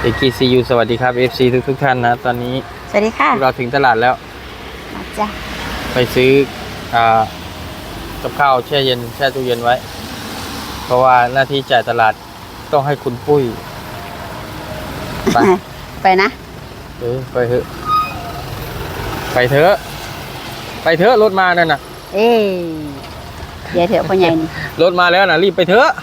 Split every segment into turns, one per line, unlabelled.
AGCU สวัสดีครับ FC ทุกท่านนะตอนนี้
สวัสดีค่ะ
เราถึงตลาดแล้ว
จ้ะ
ไปซื้อกับข้าวแช่เย็นแช่ตู้เย็นไว้ เพราะว่าหน้าที่จ่ายตลาดต้องให้คุณปุ้ย
ไปนะ
ไปเถอะไปเถอะไปเถอะรถมานั่นน่ะ
เดี๋ยวเถอะพ่อใหญ่นี่
รถมาแล้วนะรีบไปเถอะ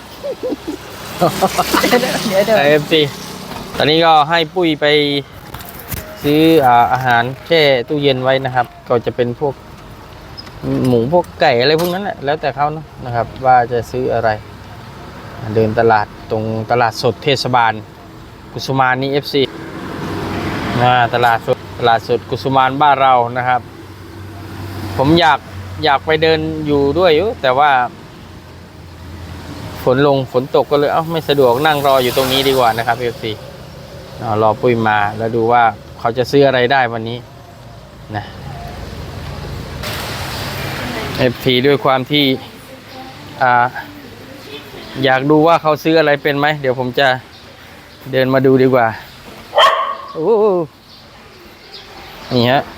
เดี๋ยว
FC ตอนนี้ก็ให้ปุ้ยไปซื้ออาหารแช่ตู้เย็นไว้นะครับก็จะเป็นพวกหมูพวกไก่อะไรพวกนั้นแหละแล้วแต่เขานะครับว่าจะซื้ออะไรเดินตลาดตรงตลาดสดเทศบาลกุสุมานนี่ FC ตลาดสดกุสุมานบ้านเรานะครับผมอยากไปเดินอยู่ด้วยอยู่แต่ว่าฝนตกก็เลยไม่สะดวกนั่งรออยู่ตรงนี้ดีกว่านะครับ FC รอปุ้ยมาแล้วดูว่าเขาจะซื้ออะไรได้วันนี้นะ FP ด้วยความที่อยากดูว่าเขาซื้ออะไรเป็นไหมเดี๋ยวผมจะเดินมาดูดีกว่าโอ้นี่ฮะ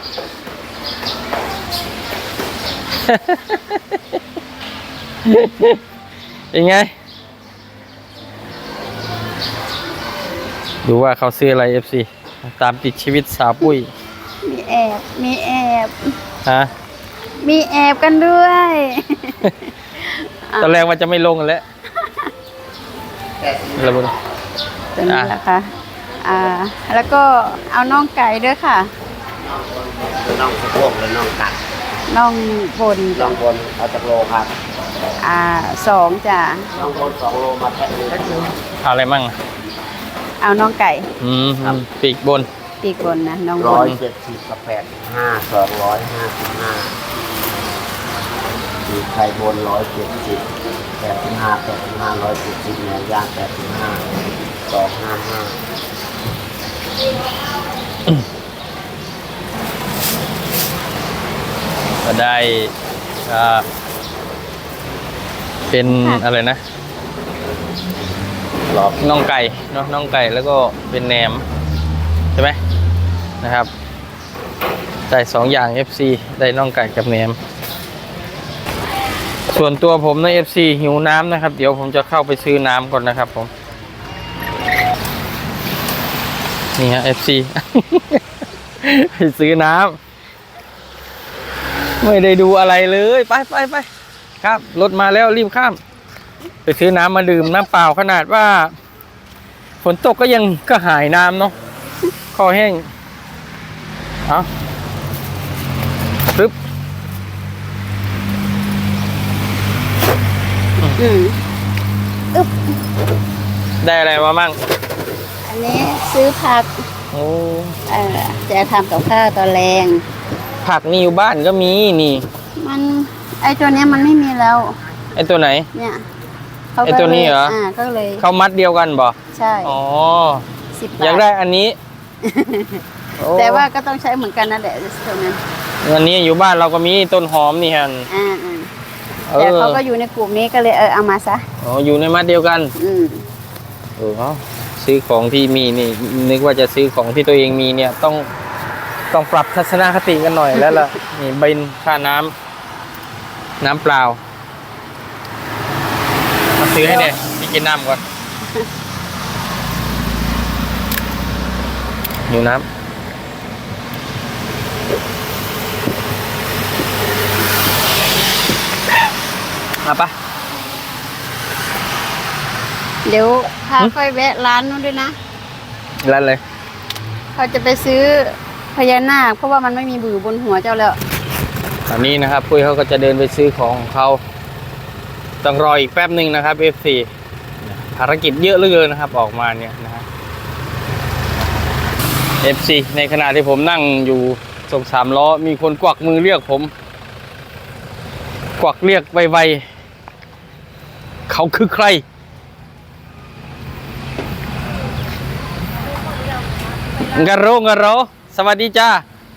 ยังไงดูว่าเขาซื้ออะไร FC ตามติดชีวิตสาวปุ้ย
มีแอบ
ฮะ
มีแอบกันด้วย
ตอนแรกว่าจะไม่ลงกันแล้วระบุ
ตัวนี้แหละค่ะแล้วก็เอาน่องไก่ด้วยค่ะ
น่องสะโพกหรือน่องตัด
น่องบน
เอาจากโลครับ
2จ้ะ
น่องบน2 โลมาแพ็คนึง
เอาอะไรมั่ง
เอาน่องไก่
ปีกบน
นะน่องบน
170กับ85 255ปีกไข่บน170 85 170เนื้อย่าง85 255
ก็ได้เป็นอะไรนะน่องไก่เนาะน่องไก่แล้วก็เป็นแหนมใช่ไหมนะครับได้2อย่าง FC ได้น่องไก่กับแหนมส่วนตัวผมใน FC หิวน้ำนะครับเดี๋ยวผมจะเข้าไปซื้อน้ำก่อนนะครับผมนี่ฮะ FC ไปซื้อน้ำไม่ได้ดูอะไรเลยไปครับรถมาแล้วรีบข้ามไปซื้อน้ำมาดื่มน้ำเปล่าขนาดว่าฝนตกก็ยังก็หายน้ำเนาะคอแห้งปึ๊บได้อะไรมามั่ง
อันนี้ซื้อผักจะทำกับข้าวตอนแรง
ผักนี่อยู่บ้านก็มีนี่
มันไอตัวนี้มันไม่มีแล้ว
ไอตัวไหน
เนี่ย
ไอตัวนี้เหรอ
ก็เลย
เขามัดเดียวกันบ่
ใช่
10 บาทอยากได้อันนี้
แต่ว่าก็ต้องใช้เหมือนกันนั่นแหละตัวนั้น
อันนี้อยู่บ้านเราก็มีต้นหอมนี่ฮะ
แต่เขาก็อยู่ในกลุ่มนี้ก็เลยเอามาซะ
อยู่ในมัดเดียวกันซื้อของที่มีนี่นึกว่าจะซื้อของที่ตัวเองมีเนี่ยต้องปรับทัศนคติกันหน่อยแล้วล่ะนี่บินค่าน้ำเปล่ามาซื้อให้เนี่ยไปกินน้ำก่อนหิวน้ำมาปะ
เดี๋ยวพาค่อยแวะร้านนู้นด้วยนะ
ร้านเลย
เขาจะไปซื้อพญานาคเพราะว่ามันไม่มีบือบนหัวเจ้าแล้ว
ตอนนี้นะครับปุ้ยเขาก็จะเดินไปซื้อของเขาต้องรออีกแป๊บหนึ่งนะครับ F4 ภารกิจเยอะเหลือเกินนะครับออกมาเนี่ยนะฮะ F4 ในขณะที่ผมนั่งอยู่ตรง3 ล้อมีคนกวักมือเรียกผมกวักเรียกไวๆเขาคือใครกะโรสวัสดีจ้า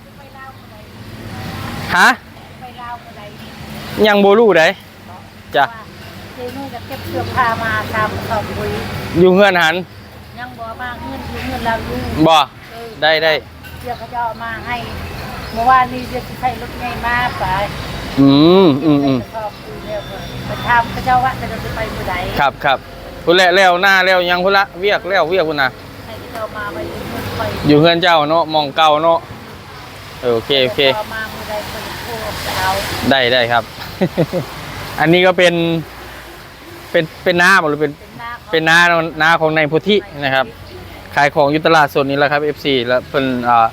ฮะยังโบลูได้จ้ะ
เดี๋ยวนู่นจะเก็บเสื้อผ้ามาทำข้าวปุ้ย
อยู่เฮือนหัน
ยยังบ่มาเงินอยู่เงินเราอยู่
บ่ได้
เดี๋ยวเขาจะเอามาให้เมื่อวานนี้เดี๋ยวจะใช้รถไงมาไป
อืม
ชอบคุยเรื่องไปทำเขาเจ้าว่าจะไปเมื่อใด
ครับพุ่นแหละแล้วหน้าแล้วยังพุ่นละเวียกพุ่นน่ะ
ให้เขาเจ้ามาไปไป
อยู่เฮือนเจ้าเนาะหมองเก่าเนาะโอเค
เอามาเมื่อใดคนโทรเอา
ได้ครับ อันนี้ก็เป็นน้าบ่หรือเป็นน้าของนายพุทธินะครับ ขายของอยู่ตลาดสดนี้แหละครับ FC แล้วเป็น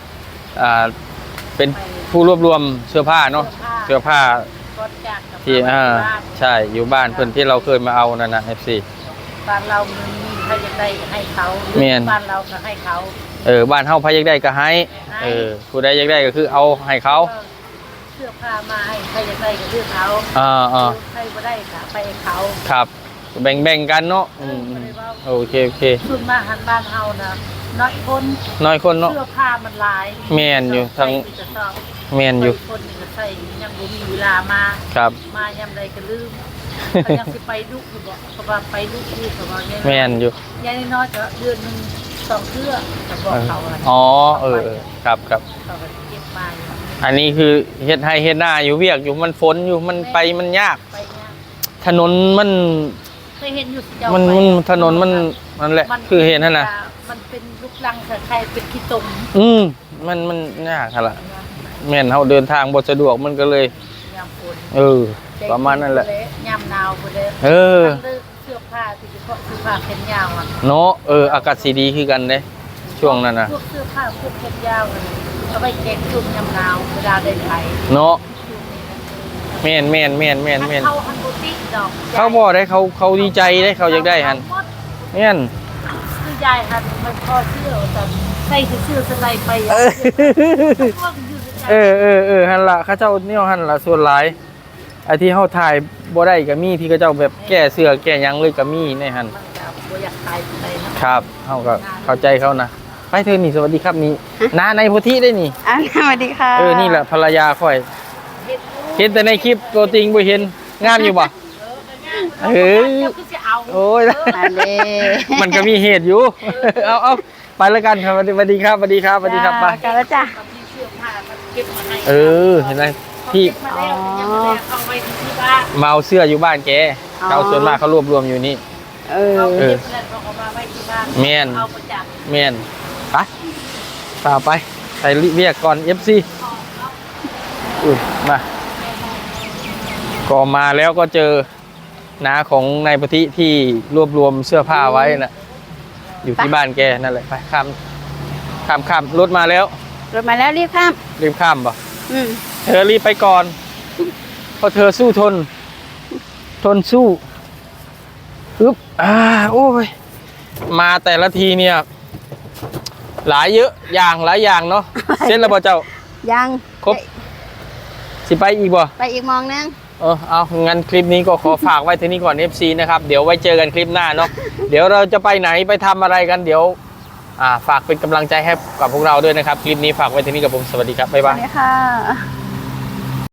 เป็นผู้รวบรวมเสื้อผ้าเนาะเสื้อผ้าที่ใช่อยู่บ้านเพิ่นที่เราเคยมาเอานั่นนะ FC
บ้านเรามีใครจะได้ให้เขาบ้านเราก็ให้เขา
บ้านเฮาพาอยากได้ก็ให้ผู้ใดอยากได้ก็คือเอาให้เขา
เสื้อผ้ามาให้ใครจะได้ก็เลือกเขาใครไม่ได้ค่ะไปให้เขา
ครับแบ่งกันเนาะโอเค
ส่วนมาหันบ้านเฮานะน้อยคนเนาะเสื้อผ้ามันหลาย
แม่นอยู่ทั้งแม่นอยู่
คนนี่ก็ใส่ยังบ่มีเวลามา
ครับ
มายามใดก็ลืมเขายังสิไปดุอยู่บ่เขาว่าไปดุอยู่เขาว่าเนี่ย
แม่นอยู่
ยายน้อยก็เดือนนึง2เทื่อจะบอกเขาอะไร
อ๋อครับ
เขาก็เก็บมา
อันนี้คือเฮ็ดให้เฮ็ดหน้าอยู่เวียกอยู่มันฝนอยู่มันไปมันยาก
ไปเนี่ย
ถนนมัน
เคยเห็นอยู่
มันถนนมันแหละคือเห็นนั่นน่ะ
มันเป็นลูกลังคล้ายๆเป็นขี้ตม
มันยากค่ะล่ะแม่นเฮาเดินทางบ่สะดวกมันก็เลย
ยามฝน
ประมาณนั้นแหละ
ยามหนาวบ่ได้
เ
สื้อผ้าที่เฉพาะเสื้อผ้าแขนยาวอ่ะ
เนาะอากาศสีดีคือกันเด้ช่วงนั้นน่ะ
พวกเสื้อผ้าพวกแขนยาวเอาไปเก็บช่วงยามหนาวเวลาได้ใช้
เนาะแม่น
เขาฮันโบติดอก
เขาบ่ได้เขาดีใจได้เขาอยากได้หั่นแม่น
คือยายหันมันพอเสื้อแต่ใส่เสื้อสไลด์ไปพวกอยู่
หั่นล่ะเขาเจ้าเนี่ยหั่นล่ะส่วนหลายไอ้ที่เฮาถ่ายบ่ได้ก็มีที่เขาเจ้าแบบแก้เสื้อแก้หยังเลยก็มีในหั่น
มันก็บ่อยากตายไปนะครับ
เฮาก็เข้าใจเขานะไปเธอนี่สวัสดีครับนี่น้าในโพธิได้นี่
สวัสดีค่ะ
นี่แหละภรรยาค่อยเห็นแต่ในคลิปตัวจริงบ่เห็นงามอยู่บ่โอ้ยมันก็มีเหตุอยู่เอาไปแล้วกันครับสวัสดีครับไป
กันแล้วจ้ะ
เห็นไหมพี่ มาเอาเสื้ออยู่บ้านแกเขาส่วนมากเขารวบรวมอยู่นี่เมียนไปไปเรียกก่อน FC มาก็มาแล้วก็เจอน้าของนายปฏิที่รวบรวมเสื้อผ้าไว้น่ะอยู่ที่บ้านแกนั่นแหละไปข้ามรถมาแล้ว
รีบ
ข้ามป่ะเธอรีบไปก่อนเพราะเธอสู้ทนสู้โอ้ยมาแต่ละทีเนี่ยหลายอย่างเนาะเส้นแล้วบ่เจ้า
ยัง
ครบสิไปอีกบ่
ไปอีกมองนึง
เอางั้นคลิปนี้ก็ขอฝากไว้ที่นี่ก่อน FC นะครับเดี๋ยวไว้เจอกันคลิปหน้าเนาะเดี๋ยวเราจะไปไหนไปทำอะไรกันเดี๋ยวฝากเป็นกำลังใจให้กับพวกเราด้วยนะครับคลิปนี้ฝากไว้ที่นี่กับผมสวัสดีครับบ๊ายบาย
สวัสดีค่ะ